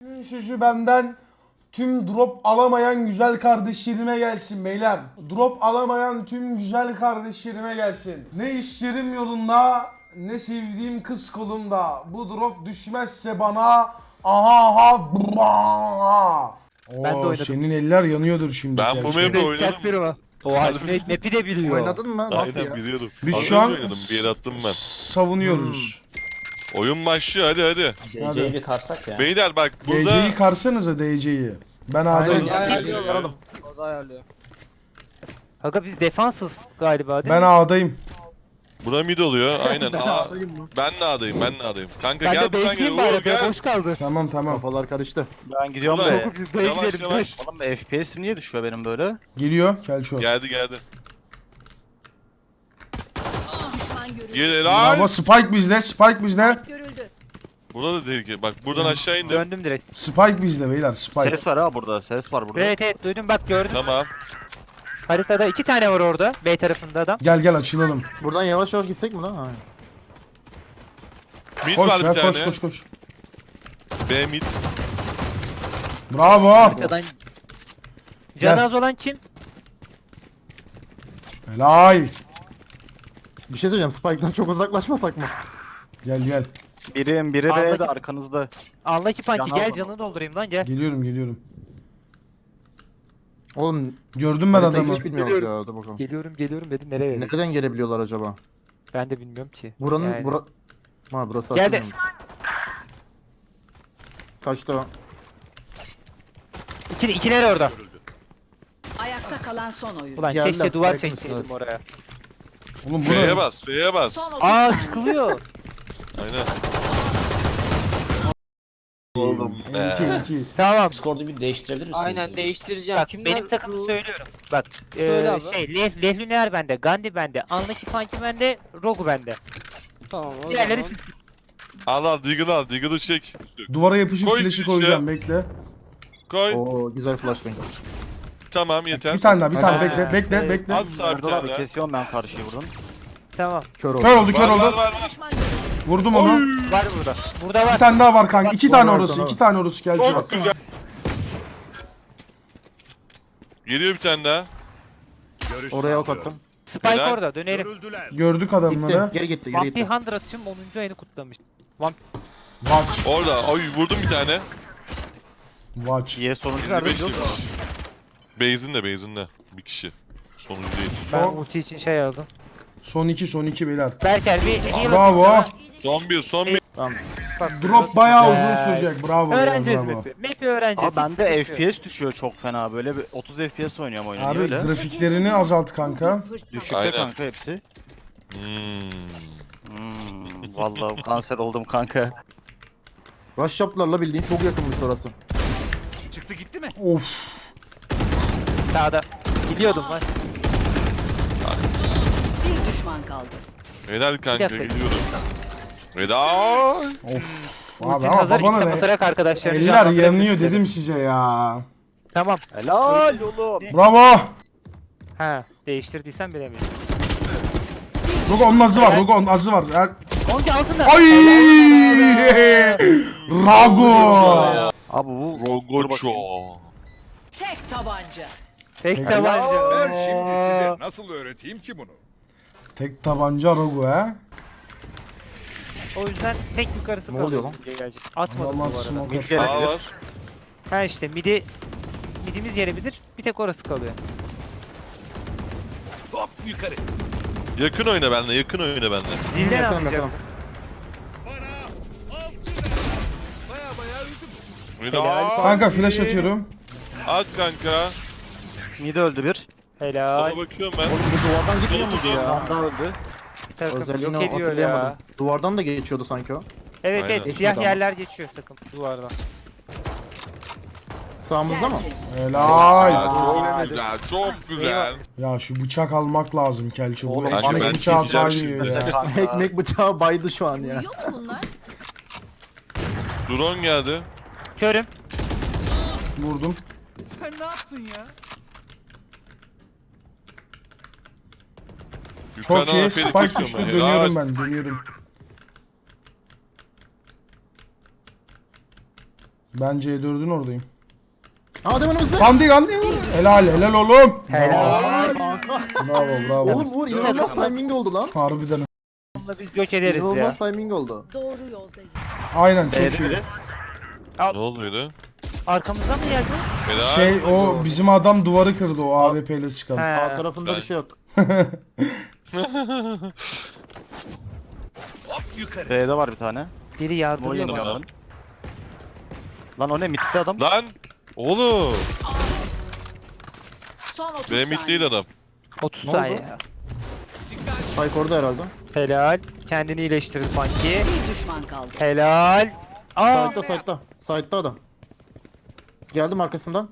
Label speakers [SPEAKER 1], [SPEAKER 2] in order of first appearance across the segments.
[SPEAKER 1] Sözü benden tüm drop alamayan güzel kardeşlerime gelsin beyler. Drop alamayan tüm güzel kardeşlerime gelsin. Ne işlerim yolunda, ne sevdiğim kız kolumda. Bu drop düşmezse bana aha.
[SPEAKER 2] Ben de
[SPEAKER 1] Oo,
[SPEAKER 2] oynadım.
[SPEAKER 1] senin eller yanıyordur şimdi.
[SPEAKER 3] Ben bu
[SPEAKER 1] gerçekten.
[SPEAKER 3] map'i oynadım.
[SPEAKER 2] Çaktırma. Oha map'i de biliyor.
[SPEAKER 4] Oynadın mı? Nasıl
[SPEAKER 3] Aynen
[SPEAKER 4] ya?
[SPEAKER 3] biliyordum.
[SPEAKER 1] Biz
[SPEAKER 3] Az
[SPEAKER 1] şu
[SPEAKER 3] önce
[SPEAKER 1] an
[SPEAKER 3] oynadım. Bir yere attım ben.
[SPEAKER 1] savunuyoruz.
[SPEAKER 3] Oyun başlıyor hadi hadi.
[SPEAKER 1] Hadi.
[SPEAKER 5] DC'yi bir karsak ya.
[SPEAKER 3] Beyler bak burada
[SPEAKER 1] DC'yi karsanıza DC'yi. Ben
[SPEAKER 4] Aynen
[SPEAKER 1] A'dayım.
[SPEAKER 4] ya.
[SPEAKER 3] Ayarlıyor.
[SPEAKER 4] Aralım.
[SPEAKER 6] O da ayarlıyor.
[SPEAKER 2] Aga biz defansız galiba değil
[SPEAKER 1] Ben
[SPEAKER 2] mi?
[SPEAKER 1] A'dayım.
[SPEAKER 3] buna mid oluyor. Aynen. Ben de A'dayım. Ben de A'dayım. Kanka
[SPEAKER 2] Ben
[SPEAKER 3] gel
[SPEAKER 2] de
[SPEAKER 3] buradan gel.
[SPEAKER 2] bekleyeyim
[SPEAKER 3] Uğur
[SPEAKER 2] bari be
[SPEAKER 3] gel.
[SPEAKER 2] boş kaldı.
[SPEAKER 1] Tamam tamam.
[SPEAKER 4] Kafalar karıştı.
[SPEAKER 7] Ben gidiyorum
[SPEAKER 3] Ulan,
[SPEAKER 7] be.
[SPEAKER 2] Biz B'ye
[SPEAKER 3] Yavaş
[SPEAKER 2] gidelim.
[SPEAKER 3] yavaş.
[SPEAKER 7] Oğlum FPS'im niye düşüyor benim böyle?
[SPEAKER 1] Geliyor Kelço.
[SPEAKER 3] Geldi geldi.
[SPEAKER 8] Düşman görüldü.
[SPEAKER 3] Gel
[SPEAKER 1] Bravo
[SPEAKER 3] lan.
[SPEAKER 1] Spike bizde. Spike bizde.
[SPEAKER 8] Görüldü.
[SPEAKER 3] Burada da tehlike. Bak buradan aşağı indim.
[SPEAKER 2] Döndüm direkt.
[SPEAKER 1] Spike bizde beyler. Spike.
[SPEAKER 7] Ses var ha burada, ses var burada.
[SPEAKER 2] Evet evet duydum bak gördüm.
[SPEAKER 3] Tamam.
[SPEAKER 2] Haritada 2 tane var orada. B tarafında adam.
[SPEAKER 1] Gel gel açılalım.
[SPEAKER 4] Buradan yavaş yavaş gitsek mi lan? Ha.
[SPEAKER 3] Mid
[SPEAKER 1] Koş
[SPEAKER 3] var bir
[SPEAKER 1] ya
[SPEAKER 3] tane.
[SPEAKER 1] koş koş koş.
[SPEAKER 3] B mid.
[SPEAKER 1] Bravo.
[SPEAKER 2] Arkadan
[SPEAKER 1] Gel.
[SPEAKER 2] canı az olan kim?
[SPEAKER 1] Helal.
[SPEAKER 4] Bir şey söyleyeceğim. Spike'dan çok uzaklaşmasak mı?
[SPEAKER 1] Gel gel.
[SPEAKER 7] Biri
[SPEAKER 2] Anladım.
[SPEAKER 7] B'de arkanızda.
[SPEAKER 2] Anla ki pançı
[SPEAKER 7] Canı
[SPEAKER 2] gel
[SPEAKER 7] az.
[SPEAKER 2] canını doldurayım lan gel.
[SPEAKER 1] Geliyorum geliyorum.
[SPEAKER 4] Oğlum
[SPEAKER 1] Gördüm ben
[SPEAKER 4] haritayı
[SPEAKER 1] adamı.
[SPEAKER 4] hiç bilmiyoruz ya. Dur bakalım.
[SPEAKER 2] Geliyorum dedim nereye?
[SPEAKER 4] Nereden gelebiliyorlar acaba?
[SPEAKER 2] Ben de bilmiyorum ki.
[SPEAKER 4] Buranın
[SPEAKER 2] Yani.
[SPEAKER 4] Ha burası
[SPEAKER 2] Geldi.
[SPEAKER 4] açılmıyor. Kaçtı o?
[SPEAKER 2] İkiler orada.
[SPEAKER 8] Ayakta kalan son oyun.
[SPEAKER 2] Ulan
[SPEAKER 4] Geldiler,
[SPEAKER 2] keşke duvar
[SPEAKER 4] spike'ın
[SPEAKER 2] çekseydim
[SPEAKER 4] üstüne.
[SPEAKER 2] oraya.
[SPEAKER 1] Oğlum bu
[SPEAKER 3] F'ye
[SPEAKER 1] ne?
[SPEAKER 3] bas. F'ye bas.
[SPEAKER 8] Son 30
[SPEAKER 2] Aa
[SPEAKER 8] saniye.
[SPEAKER 2] çıkılıyor.
[SPEAKER 3] Aynen.
[SPEAKER 1] Oğlum. Enti enti.
[SPEAKER 2] Tamam.
[SPEAKER 5] Discord'u bir değiştirebilir misiniz?
[SPEAKER 6] Aynen değiştireceğim.
[SPEAKER 2] Bak
[SPEAKER 6] Kimler
[SPEAKER 2] benim takımı
[SPEAKER 6] bu-
[SPEAKER 2] söylüyorum. Bak
[SPEAKER 6] Söyle abi.
[SPEAKER 2] Lehlüner bende, Gandhi bende, Anlaki Funky bende, Rogu bende.
[SPEAKER 6] Tamam o
[SPEAKER 2] Diğerleri
[SPEAKER 6] zaman.
[SPEAKER 2] siz.
[SPEAKER 3] Al al Deagle'ı al. Deagle'ı çek.
[SPEAKER 1] Duvara yapışıp
[SPEAKER 3] Koy
[SPEAKER 1] flash'ı
[SPEAKER 3] işte.
[SPEAKER 1] koyacağım bekle.
[SPEAKER 3] Koy.
[SPEAKER 4] Oo güzel flashbang.
[SPEAKER 3] Tamam yeter.
[SPEAKER 1] Bir tane daha bir tane
[SPEAKER 2] Ha,
[SPEAKER 1] bekle bekle
[SPEAKER 2] evet.
[SPEAKER 1] bekle.
[SPEAKER 3] Az sağ bir
[SPEAKER 7] Orada abi
[SPEAKER 3] tane.
[SPEAKER 7] kesiyorum ben karşıyı buradan.
[SPEAKER 2] Tamam.
[SPEAKER 4] Kör oldu.
[SPEAKER 1] Kör oldu kör
[SPEAKER 3] Var var
[SPEAKER 1] oldu.
[SPEAKER 3] var. var.
[SPEAKER 8] Düşman görüldü.
[SPEAKER 1] Vurdum onu.
[SPEAKER 2] Var burada. Burada
[SPEAKER 1] Bir
[SPEAKER 2] var.
[SPEAKER 1] tane daha var kanka. İki tane
[SPEAKER 4] var,
[SPEAKER 1] orası.
[SPEAKER 4] tamam.
[SPEAKER 1] İki tane orası Kelço.
[SPEAKER 3] Çok güzel. Geliyor bir tane daha.
[SPEAKER 4] Oraya ok attım.
[SPEAKER 2] Spike
[SPEAKER 3] Helal.
[SPEAKER 2] orada dönelim.
[SPEAKER 1] Gördük
[SPEAKER 4] Gitti.
[SPEAKER 1] adamları.
[SPEAKER 4] Geri gitti geri
[SPEAKER 2] Vampir
[SPEAKER 4] gitti.
[SPEAKER 2] 100 atışım 10. ayını kutlamış.
[SPEAKER 1] Watch.
[SPEAKER 3] Orada. Oy vurdum bir tane.
[SPEAKER 1] Watch.
[SPEAKER 7] Diye sonuncu nerede
[SPEAKER 3] 25
[SPEAKER 7] biliyor musun?
[SPEAKER 3] yemiş. Base'inde. Bir kişi. Sonuncu değil.
[SPEAKER 2] Ben
[SPEAKER 1] Son-
[SPEAKER 2] ulti için şey aldım.
[SPEAKER 1] Son iki beyler.
[SPEAKER 2] Berker bir heal
[SPEAKER 1] Bravo.
[SPEAKER 2] atayım
[SPEAKER 3] Son bir.
[SPEAKER 4] Tamam.
[SPEAKER 2] sana. Bak,
[SPEAKER 1] Drop bayağı
[SPEAKER 2] Güzel.
[SPEAKER 1] uzun sürecek. Bravo beyler
[SPEAKER 2] Öğreneceğiz
[SPEAKER 1] bravo.
[SPEAKER 2] map'i. Map'i öğreneceğiz.
[SPEAKER 7] Abi
[SPEAKER 2] hiç
[SPEAKER 7] bende
[SPEAKER 2] sıkıntı yok.
[SPEAKER 7] FPS düşüyor çok fena böyle bir 30 FPS oynuyorum oyunu. Niye
[SPEAKER 1] Abi
[SPEAKER 7] öyle?
[SPEAKER 1] grafiklerini azalt kanka.
[SPEAKER 8] Fırsat.
[SPEAKER 7] Düşükte
[SPEAKER 3] Aynen.
[SPEAKER 7] kanka hepsi.
[SPEAKER 3] Hmm.
[SPEAKER 7] Vallahi kanser oldum kanka.
[SPEAKER 4] Rush yaptılarla bildiğin çok yakınmış orası.
[SPEAKER 1] Of.
[SPEAKER 2] Sağda. Gidiyordum lan.
[SPEAKER 8] Bir düşman kaldı.
[SPEAKER 3] Helal kanka
[SPEAKER 2] dakika.
[SPEAKER 3] geliyorum. Helal.
[SPEAKER 1] Of. Abi
[SPEAKER 2] Ultin
[SPEAKER 1] ama
[SPEAKER 2] hazır
[SPEAKER 1] babana
[SPEAKER 2] ise
[SPEAKER 1] ne?
[SPEAKER 2] basarak arkadaşlarını
[SPEAKER 1] Eller
[SPEAKER 2] canlandırabilirsin
[SPEAKER 1] yanıyor
[SPEAKER 2] dedim.
[SPEAKER 1] dedim size ya.
[SPEAKER 2] Tamam.
[SPEAKER 7] Helal oğlum.
[SPEAKER 1] Bravo.
[SPEAKER 2] Ha değiştirdiysen bilemiyorum.
[SPEAKER 1] Rogo onun azı var. Rogo onun azı var.
[SPEAKER 2] Konki altında.
[SPEAKER 1] Ay! Rago.
[SPEAKER 7] Abi bu
[SPEAKER 3] Rogocho.
[SPEAKER 8] Tek tabanca.
[SPEAKER 2] Tek tabanca.
[SPEAKER 9] Ben şimdi size nasıl öğreteyim ki bunu?
[SPEAKER 1] Tek tabanca Rogo ha.
[SPEAKER 2] O yüzden tek yukarısı
[SPEAKER 4] Ne
[SPEAKER 2] kalıyor.
[SPEAKER 4] oluyor lan?
[SPEAKER 2] Gelecek. Atmadım bu
[SPEAKER 1] Aman
[SPEAKER 2] arada.
[SPEAKER 1] smoke
[SPEAKER 7] Mid gelebilir.
[SPEAKER 3] A var.
[SPEAKER 2] Ha işte midimiz gelebilir. Bir tek orası kalıyor.
[SPEAKER 9] Hop yukarı.
[SPEAKER 3] Yakın oyna benimle. Yakın oyna benimle.
[SPEAKER 2] Zilden
[SPEAKER 4] Yakalım,
[SPEAKER 2] anlayacaksın.
[SPEAKER 3] Helal.
[SPEAKER 1] Kanka flash atıyorum.
[SPEAKER 3] At kanka.
[SPEAKER 7] mid öldü bir.
[SPEAKER 2] Helal.
[SPEAKER 3] Sana bakıyorum ben.
[SPEAKER 4] Oğlum bu duvardan gitmiyormuş
[SPEAKER 3] Solumuzda.
[SPEAKER 4] ya.
[SPEAKER 7] Tam da öldü.
[SPEAKER 2] Takım
[SPEAKER 4] Özelliğini
[SPEAKER 2] yok ediyor
[SPEAKER 4] hatırlayamadım.
[SPEAKER 2] ya.
[SPEAKER 4] Duvardan da geçiyordu sanki o.
[SPEAKER 2] Evet
[SPEAKER 3] Aynen.
[SPEAKER 2] evet siyah
[SPEAKER 4] Tamam.
[SPEAKER 2] yerler geçiyor takım duvardan.
[SPEAKER 4] Sağımızda mı?
[SPEAKER 1] Helal.
[SPEAKER 3] Ya, çok güzel. Çok güzel.
[SPEAKER 1] Ya şu bıçak almak lazım Kelço. Bu
[SPEAKER 7] Oğlum,
[SPEAKER 3] kanka ben
[SPEAKER 1] ekmek bıçağı
[SPEAKER 3] gideceğim
[SPEAKER 1] saymıyor
[SPEAKER 3] şimdi.
[SPEAKER 1] ya.
[SPEAKER 4] Ekmek bıçağı baydı şu an ya.
[SPEAKER 8] Uyuyor mu bunlar?
[SPEAKER 3] Drone geldi.
[SPEAKER 2] Körüm.
[SPEAKER 1] Vurdum.
[SPEAKER 9] Sen ne yaptın ya?
[SPEAKER 1] Çok iyi.
[SPEAKER 3] Yukarıdan
[SPEAKER 1] Spike
[SPEAKER 3] Ferit
[SPEAKER 1] düştü.
[SPEAKER 3] bakıyorum ben.
[SPEAKER 1] Dönüyorum
[SPEAKER 3] Helal.
[SPEAKER 1] ben. Dönüyorum. Ben C4'ün oradayım.
[SPEAKER 4] Adem önümüzde.
[SPEAKER 1] Gandhi vur. Helal oğlum.
[SPEAKER 2] Helal.
[SPEAKER 4] Kanka.
[SPEAKER 1] Bravo.
[SPEAKER 4] Oğlum Uğur inanılmaz timing oldu lan.
[SPEAKER 1] Harbiden.
[SPEAKER 2] Bununla biz yok ederiz ya.
[SPEAKER 4] İnanılmaz timing oldu.
[SPEAKER 8] Doğru yoldayım.
[SPEAKER 1] Aynen çok
[SPEAKER 7] B'de
[SPEAKER 1] iyi.
[SPEAKER 7] biri.
[SPEAKER 3] Ne oluyordu?
[SPEAKER 2] Arkamızdan mı geldi?
[SPEAKER 3] Helal.
[SPEAKER 1] Şey o bizim adam duvarı kırdı o AWP ile çıkan.
[SPEAKER 2] He.
[SPEAKER 4] Sağ tarafında
[SPEAKER 3] Ben-
[SPEAKER 4] bir şey yok.
[SPEAKER 9] Hop yukarı.
[SPEAKER 7] B'de var bir tane.
[SPEAKER 2] Biri
[SPEAKER 7] Small
[SPEAKER 2] yardırıyor
[SPEAKER 7] yanıyor
[SPEAKER 2] bana.
[SPEAKER 7] onların. Lan o ne midde adam?
[SPEAKER 3] Lan! Oğlum!
[SPEAKER 8] Son 30
[SPEAKER 3] Benim
[SPEAKER 8] saniye.
[SPEAKER 3] değil adam.
[SPEAKER 2] 30
[SPEAKER 4] Ne
[SPEAKER 2] saniye
[SPEAKER 4] oldu?
[SPEAKER 2] ya.
[SPEAKER 4] Spike orada herhalde.
[SPEAKER 2] Helal. Kendini iyileştirir Funky.
[SPEAKER 8] Bir düşman kaldı.
[SPEAKER 2] Helal. Aa.
[SPEAKER 4] Side'da adam. Geldim arkasından.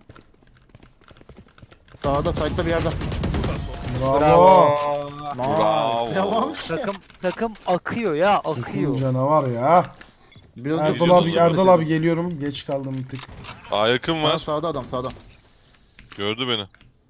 [SPEAKER 4] Sağda side'da bir yerde.
[SPEAKER 1] Bravo.
[SPEAKER 3] Bravo.
[SPEAKER 4] Devam.
[SPEAKER 2] Takım akıyor ya, akıyor.
[SPEAKER 1] Canavar ya.
[SPEAKER 4] Biraz
[SPEAKER 1] Erdal abi geliyorum. Geç kaldım bir tık.
[SPEAKER 3] Aa yakın var.
[SPEAKER 4] Sağda adam sağda.
[SPEAKER 3] Gördü beni.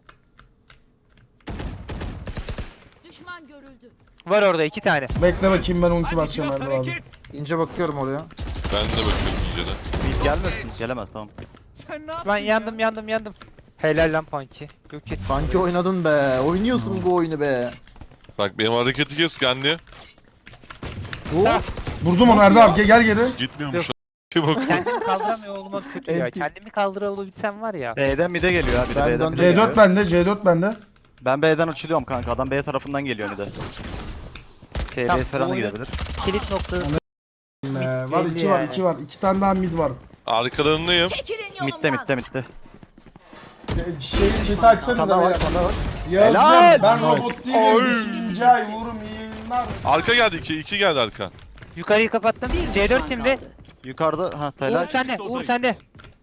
[SPEAKER 8] Düşman görüldü.
[SPEAKER 2] Var orada 2 tane.
[SPEAKER 1] Bekle bakayım ben ulti
[SPEAKER 9] Hadi
[SPEAKER 1] basacağım
[SPEAKER 9] biraz
[SPEAKER 1] Erdal abi.
[SPEAKER 9] hareket.
[SPEAKER 4] İnce bakıyorum oraya.
[SPEAKER 3] Ben de bakıyorum inceden.
[SPEAKER 7] Mid gelmesin. Gelemez tamam.
[SPEAKER 9] Sen ne yaptın
[SPEAKER 2] Lan
[SPEAKER 9] ya?
[SPEAKER 2] yandım. Helal lan Funky. Yok et.
[SPEAKER 4] Sanki oynadın be. Oynuyorsun bu oyunu be.
[SPEAKER 3] Bak benim hareketi kes kendi.
[SPEAKER 2] Sağ.
[SPEAKER 1] Vurdum onu Erdal abi gel geri.
[SPEAKER 3] Gitmiyormuş lan. Bir bak.
[SPEAKER 2] Kendimi kaldıramıyor olmam kötü ya.
[SPEAKER 4] Enti.
[SPEAKER 2] Kendimi kaldırabilsem var ya.
[SPEAKER 7] B'den mid'e geliyor ha. Biri
[SPEAKER 4] Ben
[SPEAKER 7] B'den
[SPEAKER 4] döndüm.
[SPEAKER 7] mid'e geliyor.
[SPEAKER 1] C4 bende.
[SPEAKER 7] Ben B'den uçuluyorum kanka. Adam B tarafından geliyor mid'e.
[SPEAKER 2] Tamam,
[SPEAKER 7] TBS falan da
[SPEAKER 2] oyunu-
[SPEAKER 7] gidebilir.
[SPEAKER 2] Kilit noktası.
[SPEAKER 1] Var
[SPEAKER 2] belli
[SPEAKER 1] 2 var
[SPEAKER 2] yani.
[SPEAKER 1] 2 var. 2 tane daha mid var.
[SPEAKER 3] Arkalarındayım.
[SPEAKER 8] Çekilin yolumdan.
[SPEAKER 7] Mid'de.
[SPEAKER 1] Chat'i açsanıza beyler. Yazın
[SPEAKER 7] Helal.
[SPEAKER 1] ben robot değilim. 5. ay vurum iyi yayınlar.
[SPEAKER 3] Arka geldi 2 geldi arka.
[SPEAKER 2] Yukarıyı kapattım.
[SPEAKER 8] Bir
[SPEAKER 2] C4
[SPEAKER 8] düşman
[SPEAKER 2] kimde?
[SPEAKER 8] kaldı.
[SPEAKER 7] Yukarıda ha
[SPEAKER 2] Uğur
[SPEAKER 7] helal.
[SPEAKER 2] sende. Uğur sende.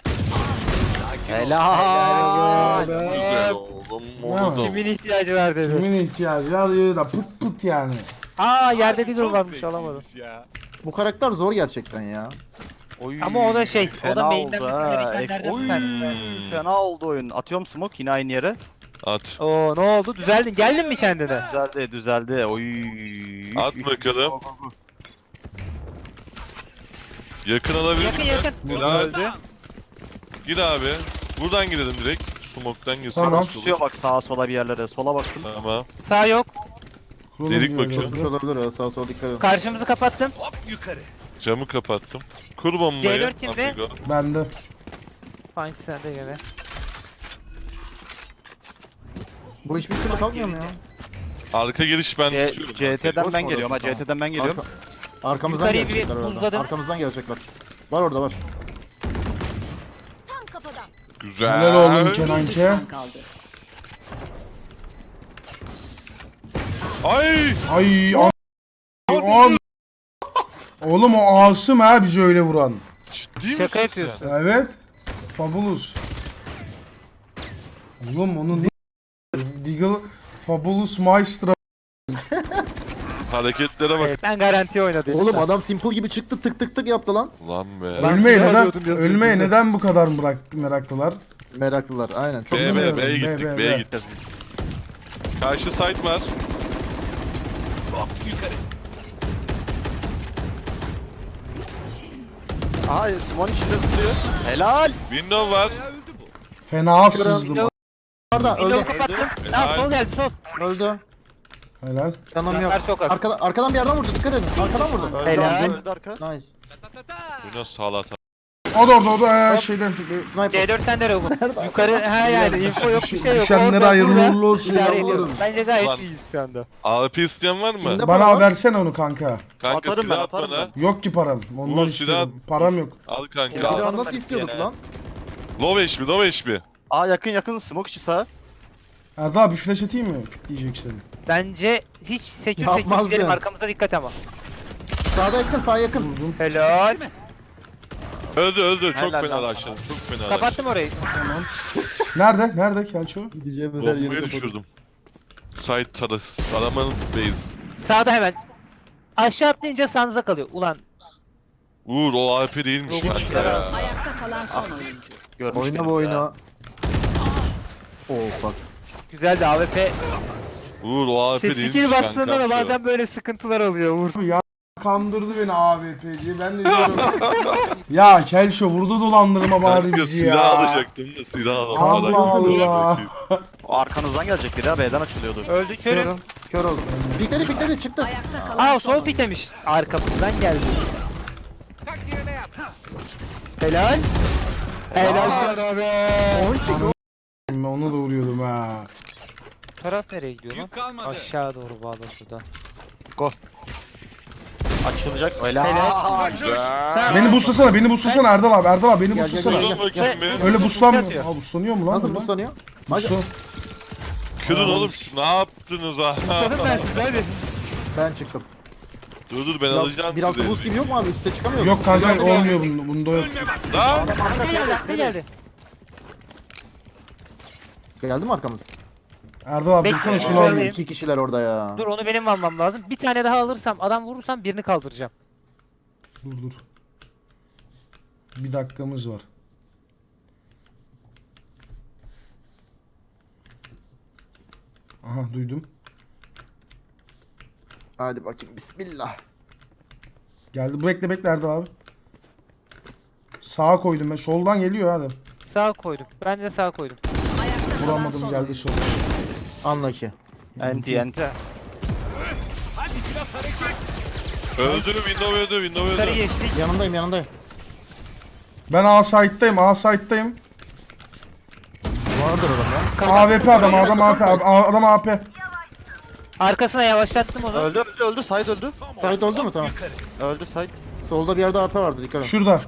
[SPEAKER 7] Helal.
[SPEAKER 3] Güzel oğlum.
[SPEAKER 1] Ne
[SPEAKER 3] Oldu.
[SPEAKER 2] Kimin ihtiyacı var dedi.
[SPEAKER 1] Kimin ihtiyacı var ya da pıt pıt yani.
[SPEAKER 2] Aa yerde bir
[SPEAKER 9] Çok
[SPEAKER 2] varmış
[SPEAKER 9] zevkliymiş
[SPEAKER 2] alamadım.
[SPEAKER 9] ya.
[SPEAKER 4] Bu karakter zor gerçekten ya.
[SPEAKER 7] Oy,
[SPEAKER 2] Ama o da şey, o da
[SPEAKER 7] fena
[SPEAKER 2] main'den
[SPEAKER 7] oldu
[SPEAKER 2] mesela
[SPEAKER 7] ha.
[SPEAKER 2] itemlerden
[SPEAKER 7] Oy,
[SPEAKER 2] bir tanesi.
[SPEAKER 7] fena oldu oyun. Atıyorum smoke yine aynı yere.
[SPEAKER 3] At.
[SPEAKER 2] Oo ne oldu? Düzeldin. Geldin mi kendine?
[SPEAKER 7] Düzeldi. Oy.
[SPEAKER 3] At bakalım. Yakın alabilir
[SPEAKER 2] Yakın
[SPEAKER 3] miyim?
[SPEAKER 2] yakın.
[SPEAKER 3] Helal. Gir abi. Buradan gidelim direkt. Smoke'tan girsin.
[SPEAKER 1] Tamam.
[SPEAKER 7] Tutuyor bak sağa sola bir yerlere. Sola baktım.
[SPEAKER 3] Tamam.
[SPEAKER 2] Sağ yok.
[SPEAKER 1] Kurulum
[SPEAKER 3] Dedik
[SPEAKER 1] diyor
[SPEAKER 3] bakıyorum.
[SPEAKER 4] Tutmuş olabilir ya sağ sol dikkat edin.
[SPEAKER 2] Karşımızı kapattım.
[SPEAKER 9] Hop yukarı.
[SPEAKER 3] Camı kapattım. Kur bombayı.
[SPEAKER 2] C4 kimde?
[SPEAKER 3] Amigo.
[SPEAKER 1] Bende.
[SPEAKER 2] Fine sende gene.
[SPEAKER 4] Bu hiçbir türlü kalkmıyor mu ya?
[SPEAKER 3] Arka giriş ben tutuyorum.
[SPEAKER 7] CT'den
[SPEAKER 4] Boş
[SPEAKER 7] ben
[SPEAKER 4] mu
[SPEAKER 7] geliyorum ha.
[SPEAKER 4] orası?
[SPEAKER 7] CT'den ben geliyorum.
[SPEAKER 4] Arkamızdan
[SPEAKER 2] Yukarıyı bir
[SPEAKER 4] gelecekler orada.
[SPEAKER 2] buzladım.
[SPEAKER 4] Arkamızdan gelecekler. Var orada var.
[SPEAKER 8] Tam kafadan.
[SPEAKER 3] Güzel.
[SPEAKER 1] Helal oğlum
[SPEAKER 8] Bir
[SPEAKER 1] Kenanke.
[SPEAKER 8] düşman kaldı.
[SPEAKER 3] Ay!
[SPEAKER 1] Ay an. Oğlum o Asım ha bizi öyle vuran.
[SPEAKER 3] Ciddi misin
[SPEAKER 2] Şaka
[SPEAKER 3] sen?
[SPEAKER 2] yapıyorsun.
[SPEAKER 1] Evet. Fabulous. Oğlum onun ne? Deagle Fabulous Maestro.
[SPEAKER 3] Hareketlere bak.
[SPEAKER 2] Evet, ben garanti oynadım.
[SPEAKER 4] Oğlum adam simple gibi çıktı tık tık tık yaptı lan.
[SPEAKER 3] Lan be.
[SPEAKER 1] Ölmeye
[SPEAKER 2] silah
[SPEAKER 1] neden
[SPEAKER 2] alıyordum ya,
[SPEAKER 1] ölmeye
[SPEAKER 2] Türkiye'de.
[SPEAKER 1] neden bu kadar meraklılar?
[SPEAKER 4] Meraklılar aynen. Çok
[SPEAKER 3] B,
[SPEAKER 1] bilmiyorum.
[SPEAKER 3] B'ye gittik,
[SPEAKER 1] B.
[SPEAKER 3] B'ye gideceğiz biz. Karşı site var.
[SPEAKER 9] Hop yukarı.
[SPEAKER 7] Aha Simon içinde tutuyor. Helal.
[SPEAKER 3] Window var.
[SPEAKER 9] Bayağı öldü bu.
[SPEAKER 1] Fena sızdım.
[SPEAKER 4] Orada
[SPEAKER 2] Window'u
[SPEAKER 4] öldü.
[SPEAKER 2] kapattım.
[SPEAKER 3] Helal.
[SPEAKER 2] Tamam sol geldi sol.
[SPEAKER 4] Öldü.
[SPEAKER 1] Helal.
[SPEAKER 4] Canım yok.
[SPEAKER 2] Canlar çok az.
[SPEAKER 4] Arkadan bir yerden vurdu dikkat edin. Arkadan vurdu.
[SPEAKER 7] Öldü
[SPEAKER 2] Helal.
[SPEAKER 7] arka, öldü arka.
[SPEAKER 4] Nice.
[SPEAKER 9] Ta ta ta.
[SPEAKER 3] Bu nasıl salata?
[SPEAKER 1] O da orada şeyden.
[SPEAKER 4] Sniper.
[SPEAKER 2] C4 sende Rogun. Yukarı ha yani info yok bir şey yok.
[SPEAKER 1] Düşenlere
[SPEAKER 2] Orada,
[SPEAKER 1] hayırlı
[SPEAKER 2] burada
[SPEAKER 1] uğurlu olsun
[SPEAKER 2] idare
[SPEAKER 1] yavrum.
[SPEAKER 2] ediyorum. Bence gayet
[SPEAKER 3] Ulan.
[SPEAKER 2] iyiyiz şu anda.
[SPEAKER 3] AWP isteyen var mı?
[SPEAKER 4] Kimde?
[SPEAKER 1] Bana versene onu kanka.
[SPEAKER 3] Kanka
[SPEAKER 7] Atarım
[SPEAKER 3] silah
[SPEAKER 7] ben,
[SPEAKER 3] at
[SPEAKER 7] atarım
[SPEAKER 3] bana.
[SPEAKER 1] Yok ki param. Ondan
[SPEAKER 3] Uğur,
[SPEAKER 1] istiyorum.
[SPEAKER 3] silah-
[SPEAKER 1] Param yok.
[SPEAKER 3] Al kanka.
[SPEAKER 4] Silahı
[SPEAKER 3] Al.
[SPEAKER 4] nasıl istiyorduk lan?
[SPEAKER 3] Low HP, low HP.
[SPEAKER 7] Aa yakın smoke içi sağ.
[SPEAKER 1] Erdal abi flash atayım mı? Diyeceksin.
[SPEAKER 2] Bence hiç sekür
[SPEAKER 4] Yapmaz
[SPEAKER 2] gidelim
[SPEAKER 4] ya.
[SPEAKER 2] arkamıza dikkat ama.
[SPEAKER 4] Sağda yakın sağ yakın.
[SPEAKER 1] Vurdum.
[SPEAKER 2] Helal.
[SPEAKER 3] Öldü. Çok
[SPEAKER 7] Helal
[SPEAKER 3] fena
[SPEAKER 7] lan.
[SPEAKER 3] aşağı. Çok fena
[SPEAKER 2] Kapattım orayı.
[SPEAKER 1] Nerede Kelço?
[SPEAKER 4] Gideceğimiz her
[SPEAKER 3] Bombayı
[SPEAKER 4] yeri kapatıp.
[SPEAKER 3] düşürdüm. Site tarası. Aramanın base.
[SPEAKER 2] Sağda hemen. Aşağı atlayınca sağınıza kalıyor. Ulan
[SPEAKER 3] Uğur o AWP değilmiş
[SPEAKER 2] Rogun
[SPEAKER 3] kanka ya.
[SPEAKER 8] Ayakta kalan son oyuncu.
[SPEAKER 7] Görmüş
[SPEAKER 4] Oyna
[SPEAKER 7] beni
[SPEAKER 4] bu
[SPEAKER 7] ya.
[SPEAKER 4] oyunu. Oo bak.
[SPEAKER 2] güzeldi AWP.
[SPEAKER 3] Uğur o AWP
[SPEAKER 2] Şey,
[SPEAKER 3] değilmiş
[SPEAKER 2] skill
[SPEAKER 3] kanka.
[SPEAKER 2] bastığında da bazen böyle sıkıntılar oluyor Uğur.
[SPEAKER 1] Ya kandırdı beni AWP diye. Ben de diyorum. Ya Kelşo burada dolandırma bari
[SPEAKER 3] Kanka
[SPEAKER 1] bizi
[SPEAKER 3] silah
[SPEAKER 1] ya.
[SPEAKER 3] alacaktım da silah alamadım.
[SPEAKER 1] Allah Allah.
[SPEAKER 7] Arkanızdan gelecek biri ha, B'den açılıyordu.
[SPEAKER 2] Öldü körüm.
[SPEAKER 4] Körüm. Kör oldum. Pikledi çıktı.
[SPEAKER 8] Ayakta kalan
[SPEAKER 2] Aa
[SPEAKER 8] son
[SPEAKER 2] sol
[SPEAKER 8] oyuncu.
[SPEAKER 2] piklemiş. Arkamızdan geldi.
[SPEAKER 9] Tak yerine yap.
[SPEAKER 2] Helal. Helal sana be.
[SPEAKER 1] Onu da vuruyordum ha.
[SPEAKER 2] Taraf nereye gidiyor lan?
[SPEAKER 9] Yük kalmadı.
[SPEAKER 2] Aşağı doğru bağlı şurada.
[SPEAKER 7] Açılacak. Helal.
[SPEAKER 2] Sen
[SPEAKER 1] Beni boostlasana Erdal abi beni boostlasana.
[SPEAKER 4] gel.
[SPEAKER 3] Kırın bakayım bir.
[SPEAKER 1] Öyle boostlanmıyor.
[SPEAKER 2] atıyor.
[SPEAKER 1] Aa boostlanıyor mu lan?
[SPEAKER 4] Nasıl
[SPEAKER 1] bunlar?
[SPEAKER 4] buslanıyor?
[SPEAKER 1] Boostlan.
[SPEAKER 3] Kırın oğlum. Ne yaptınız ha?
[SPEAKER 2] Sanırım ben size hadi.
[SPEAKER 4] Ben çıktım.
[SPEAKER 3] Dur ben alacağım
[SPEAKER 4] Biraz
[SPEAKER 3] sizi.
[SPEAKER 4] boost gibi yok mu abi? Üste çıkamıyor
[SPEAKER 1] Yok
[SPEAKER 4] musun?
[SPEAKER 1] kanka olmuyor bunda yok.
[SPEAKER 3] Lan!
[SPEAKER 2] Ne geldi?
[SPEAKER 4] Geldi mi arkamız?
[SPEAKER 1] Erdal abi
[SPEAKER 2] Bekle,
[SPEAKER 1] dursana şunu
[SPEAKER 2] bekle.
[SPEAKER 1] alayım.
[SPEAKER 4] 2 kişiler orada ya.
[SPEAKER 2] Dur onu benim almam lazım. Bir tane daha alırsam adam vurursam birini kaldıracağım.
[SPEAKER 1] Dur. Bir dakikamız var. Aha duydum.
[SPEAKER 4] Hadi bakayım bismillah.
[SPEAKER 1] Geldi. Bekle Erdal abi. Sağa koydum ben. Soldan geliyor hadi.
[SPEAKER 2] Sağa koydum. Ben de sağa koydum.
[SPEAKER 8] Ayakta kalan
[SPEAKER 1] Vuramadım
[SPEAKER 8] son
[SPEAKER 1] geldi
[SPEAKER 8] oyuncu.
[SPEAKER 1] sol.
[SPEAKER 4] Unlucky.
[SPEAKER 7] Enti.
[SPEAKER 9] Hadi biraz hareket.
[SPEAKER 3] Öldü, window öldü.
[SPEAKER 2] Yukarı geçtik.
[SPEAKER 4] Yanındayım.
[SPEAKER 1] Ben A site'dayım.
[SPEAKER 4] Vardır orada.
[SPEAKER 1] AWP adam AP.
[SPEAKER 2] Arkasına yavaşlattım onu.
[SPEAKER 7] Öldü. Side öldü.
[SPEAKER 4] Sait oldu mu? Tamam.
[SPEAKER 7] Öldü Side.
[SPEAKER 4] Solda bir yerde AP vardı dikkat et.
[SPEAKER 1] Şurada.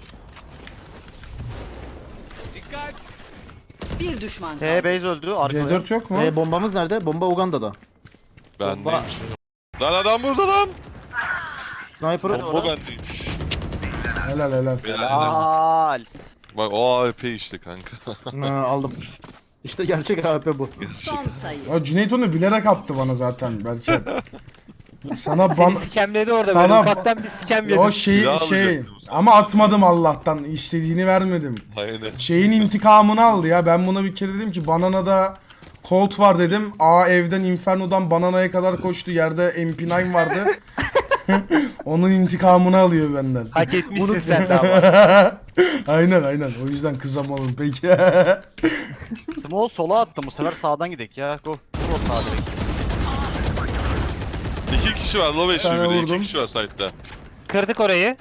[SPEAKER 9] Dikkat.
[SPEAKER 8] Bir düşman kaldı.
[SPEAKER 7] T base öldü. Arkada.
[SPEAKER 1] C4 yok mu?
[SPEAKER 4] Bombamız nerede? Bomba Uganda'da.
[SPEAKER 3] Bendeymiş. Lan adam burada lan.
[SPEAKER 4] Sniper.
[SPEAKER 3] Bomba bendeymiş.
[SPEAKER 1] Helal.
[SPEAKER 7] Helal.
[SPEAKER 3] Bak o AWP işte kanka.
[SPEAKER 4] Aldım. İşte gerçek AP bu.
[SPEAKER 8] Son sayı.
[SPEAKER 1] O Cüneyt onu bilerek attı bana zaten belki. Sana ban...
[SPEAKER 2] Sikemledi orada
[SPEAKER 1] Sana-
[SPEAKER 2] böyle. Ufaktan bir sikem yedim.
[SPEAKER 1] O
[SPEAKER 3] Silah
[SPEAKER 1] şey
[SPEAKER 3] alacaktım sana.
[SPEAKER 1] ama atmadım Allah'tan. İstediğini vermedim.
[SPEAKER 3] Aynen.
[SPEAKER 1] Şeyin intikamını aldı ya. Ben buna bir kere dedim ki Banana'da Colt var dedim. Evden Inferno'dan Banana'ya kadar koştu. Yerde MP9 vardı. Onun intikamını alıyor benden.
[SPEAKER 2] Hak etmişsin sen de ama.
[SPEAKER 1] aynen. O yüzden kızamadım peki.
[SPEAKER 7] Small sola attım. Bu sefer sağdan gidek ya. Go sağa direkt.
[SPEAKER 3] 2 kişi var low
[SPEAKER 1] tane
[SPEAKER 3] HP bir de 2
[SPEAKER 1] vurdum.
[SPEAKER 3] kişi var site'da.
[SPEAKER 2] Kırdık orayı.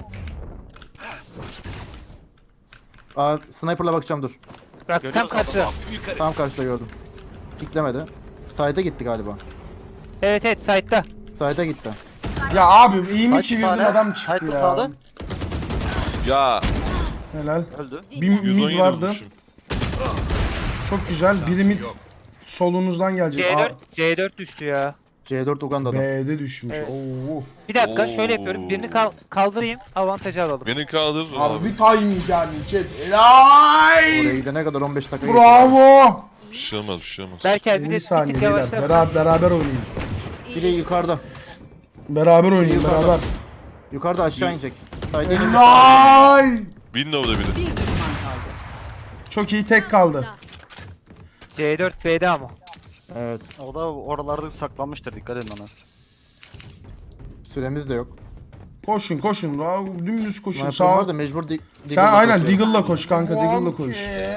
[SPEAKER 4] Sniper'la bakacağım dur.
[SPEAKER 2] Bak tam
[SPEAKER 7] Görüyoruz
[SPEAKER 2] karşıda.
[SPEAKER 9] Yukarı.
[SPEAKER 4] Tam karşıda gördüm. Piklemedi. Side'e gitti galiba.
[SPEAKER 2] Evet side'da.
[SPEAKER 4] Side'e gitti.
[SPEAKER 1] Ya abi iyi mi
[SPEAKER 7] Kaç
[SPEAKER 1] çevirdim
[SPEAKER 7] tane?
[SPEAKER 1] adam çıktı
[SPEAKER 7] Site'da
[SPEAKER 1] ya.
[SPEAKER 7] sağda.
[SPEAKER 3] Ya
[SPEAKER 1] Helal.
[SPEAKER 7] Öldü.
[SPEAKER 1] Bir mid
[SPEAKER 3] 117
[SPEAKER 1] vardı.
[SPEAKER 3] vurmuşum.
[SPEAKER 1] Çok güzel. Biri mid solunuzdan gelecek.
[SPEAKER 2] C4 düştü ya.
[SPEAKER 4] C4 Uganda'da.
[SPEAKER 1] B'de düşmüş.
[SPEAKER 2] Evet.
[SPEAKER 1] Oo.
[SPEAKER 2] Bir dakika
[SPEAKER 3] Oo.
[SPEAKER 2] şöyle yapıyorum. Birini kaldırayım. Avantajı alalım.
[SPEAKER 3] Beni kaldır abi.
[SPEAKER 1] Harbi timing yani chat. Helal.
[SPEAKER 4] Oraya gidene kadar 15 dakika geçti.
[SPEAKER 1] Bravo.
[SPEAKER 3] Bir şey olmaz.
[SPEAKER 2] Berker bir
[SPEAKER 1] 50
[SPEAKER 2] de bir
[SPEAKER 1] saniye
[SPEAKER 2] tık
[SPEAKER 1] beyler.
[SPEAKER 2] yavaşla.
[SPEAKER 1] Beraber oynayın.
[SPEAKER 4] Bir de yukarıda.
[SPEAKER 1] Beraber oynayın
[SPEAKER 4] Yukarıda.
[SPEAKER 1] beraber.
[SPEAKER 4] Yukarıda aşağı inecek. Side'e inecek.
[SPEAKER 1] Helal.
[SPEAKER 3] Window'da biri.
[SPEAKER 8] Bir düşman kaldı.
[SPEAKER 1] Çok iyi tek kaldı.
[SPEAKER 2] C4 B'de ama.
[SPEAKER 4] Evet.
[SPEAKER 7] O da oralarda saklanmıştır. Dikkat edin ona.
[SPEAKER 4] Süremiz de yok.
[SPEAKER 1] Koşun. Dümdüz koşun.
[SPEAKER 4] Sniper
[SPEAKER 1] Sağ.
[SPEAKER 4] var da mecbur
[SPEAKER 1] Sen
[SPEAKER 4] Deagle'la
[SPEAKER 1] aynen
[SPEAKER 4] koşuyorum.
[SPEAKER 1] Deagle'la koş kanka. Deagle'la koş.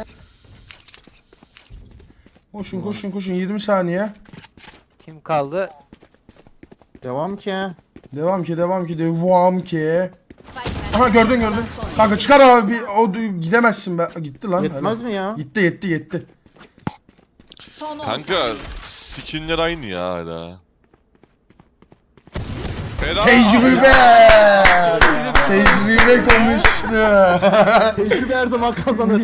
[SPEAKER 1] Koşun 20 saniye.
[SPEAKER 2] Tim kaldı.
[SPEAKER 4] Devam ki.
[SPEAKER 1] Devam ki.
[SPEAKER 8] Spike
[SPEAKER 1] Aha gördün.
[SPEAKER 8] Son
[SPEAKER 1] Kanka çıkar abi. Gidemezsin be. Gitti lan.
[SPEAKER 4] Yetmez mi ya?
[SPEAKER 1] Gitti.
[SPEAKER 8] Son 10
[SPEAKER 3] Kanka skinler aynı ya hala. Helal.
[SPEAKER 1] Tecrübe konuştu.
[SPEAKER 4] Tecrübe her zaman kazanır.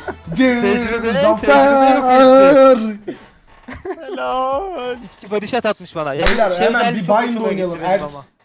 [SPEAKER 1] Zafer.
[SPEAKER 2] İki body shot atmış bana. Ya,
[SPEAKER 1] Beyler hemen
[SPEAKER 2] gelmiş,
[SPEAKER 1] bir
[SPEAKER 2] çok
[SPEAKER 1] bind
[SPEAKER 2] hoşuma
[SPEAKER 1] oynayalım.
[SPEAKER 2] gitti benim ama.